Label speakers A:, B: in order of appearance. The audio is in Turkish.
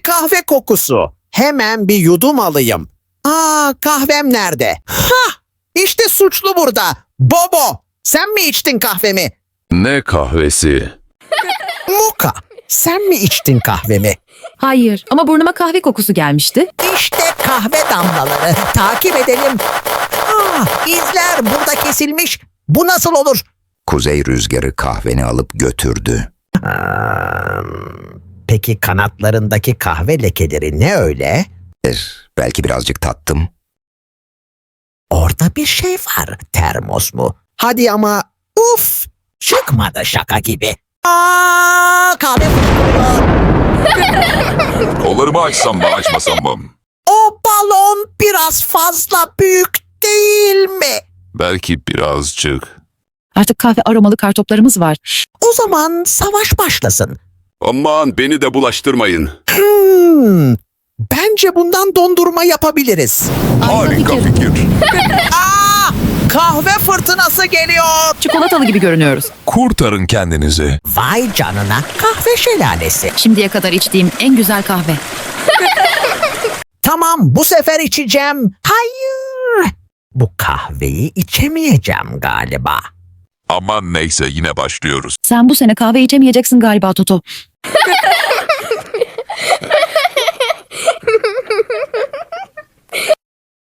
A: kahve kokusu. Hemen bir yudum alayım. Aa, kahvem nerede? Hah, işte suçlu burada. Bobo, sen mi içtin kahvemi?
B: Ne kahvesi?
A: Muka, sen mi içtin kahvemi?
C: Hayır ama burnuma kahve kokusu gelmişti.
A: İşte kahve damlaları. Takip edelim. Ah, izler burada kesilmiş. Bu nasıl olur?
D: Kuzey rüzgarı kahveni alıp götürdü.
A: Peki kanatlarındaki kahve lekeleri ne öyle?
D: Belki birazcık tattım.
A: Orada bir şey var. Termos mu? Hadi ama uf, çıkmadı şaka gibi. Aa, kahve kokuyor.
B: Kollarımı açsam mı açmasam mı?
A: O balon biraz fazla büyük değil mi?
B: Belki birazcık.
C: Artık kahve aromalı kartoplarımız var.
A: O zaman savaş başlasın.
B: Aman beni de bulaştırmayın.
A: Bence bundan dondurma yapabiliriz.
B: Harika fikir.
A: Aa, kahve fırtınası geliyor.
C: Çikolatalı gibi görünüyoruz.
B: Kurtarın kendinizi.
A: Vay canına, kahve şelalesi.
C: Şimdiye kadar içtiğim en güzel kahve.
A: Tamam, bu sefer içeceğim. Hayır. Bu kahveyi içemeyeceğim galiba.
B: Aman neyse yine başlıyoruz.
C: Sen bu sene kahve içemeyeceksin galiba Toto.